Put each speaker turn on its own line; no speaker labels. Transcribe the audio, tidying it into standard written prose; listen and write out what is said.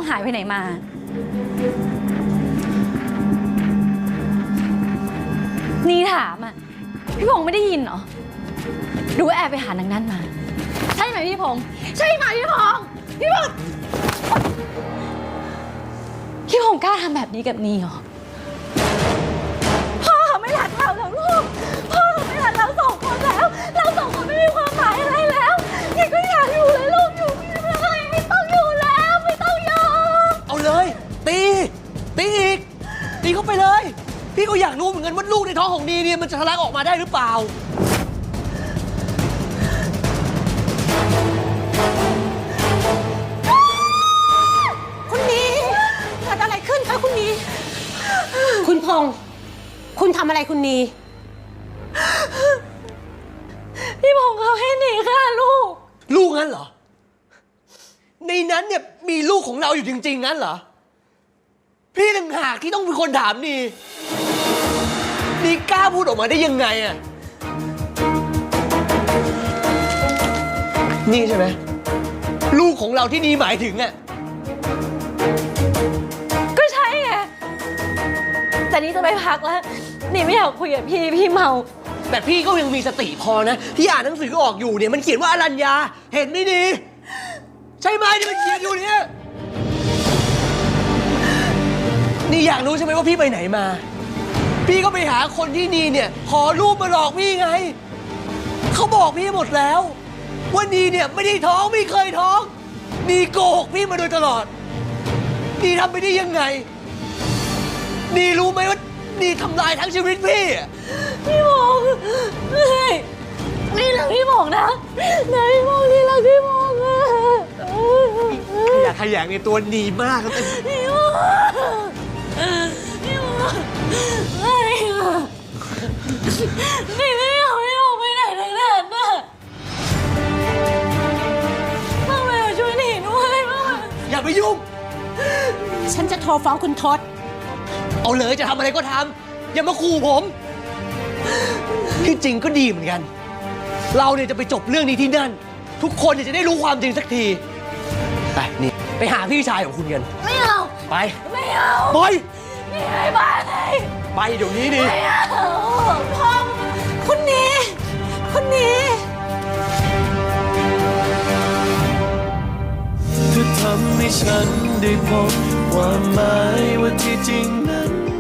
หายไปไหนมานี่ถามอ่ะพี่พงษ์ไม่ได้ยินเหรอดูว่าแอบไปหานางนั่นมาใช่ไหมพี่พงษ์ใช่ไหมพี่พงษ์พี่พงษ์กล้าทำแบบนี้กับนีเหรอพ่อเขาไม่รักเราแล้วลูกพ่อเขาไม่รักเราสองคนแล้วเราสองคนไม่มีความหมายอะไรแล้วนี่ก็อยากอยู่เลยลูกอยู่ไม่ได้ไม่ต้องอยู่แล้วไม่ต้องอยู่
เอาเลยตีอีกตีเข้าไปเลยพี่ก็อยากรู้เหมือนกันว่าลูกในท้องของนีเนี่ยมันจะทะลักออกมาได้หรือเปล่า
คุณนีเกิดอะไรขึ้นคะคุณนีคุณพงษ์คุณทำอะไรคุณนี
พี่พงษ์เขาให้หนีค่ะ
ลูกงั้นเหรอในนั้นเนี่ยมีลูกของเราอยู่จริงๆงั้นเหรอพี่ต่างหากที่ต้องเป็นคนถามนีกล้าพูดออกมาได้ยังไงอ่ะนี่ใช่ไหมลูกของเราที่นีหมายถึงอ่ะ
ก็ใช่ไงแต่นี่จะไปพักแล้วนี่ไม่อยากคุยกับพี่เมา
แต่พี่ก็ยังมีสติพอนะที่อ่านหนังสือออกอยู่เนี่ยมันเขียนว่าอรัญญาเห็นไหมนีใช่ไหมที่มันเขียนอยู่เนี่ยนี่อยากรู้ใช่ไหมว่าพี่ไปไหนมาพี่ก็ไปหาคนที่นีเนี่ยขอรูปมาหลอกพี่ไงเขาบอกพี่หมดแล้วว่านีเนี่ยไม่ได้ท้องไม่เคยท้องนีโกหกพี่มาโดยตลอดนีทำไปได้ยังไงนีรู้ไหมว่านีทำลายทั้งชีวิตพี่
พี่พงษ์นี่รักพี่พงษ์นะพี่พงษ์นี่รักพี่พงษ์
อยากขยงในตัวนีมากครับ
พี่พงษ์นี่ไม่อยากให้ออกไปไหนทั้งนั้นน่ะพ่อแม่ช่วยหนีด้วยพ่อ
อย่าไปยุ่ง
ฉันจะโทรฟ้องคุณทศ
เอาเลยจะทำอะไรก็ทำอย่ามาขู่ผมที่จริงก็ดีเหมือนกันเราเนี่ยจะไปจบเรื่องนี้ที่นั่นทุกคนเนี่ยจะได้รู้ความจริงสักทีไปนี่ไปหาพี่ชายของคุณกัน
ไม่เอา
ไป
ไม่เอา
ไป
นี่ไงบ้านไง
ไปเดี๋ยวนี้ดิ
ไม่เอาพ่อคุณนี
เธอทำให้ฉันได้พบความหมายว่าที่จริง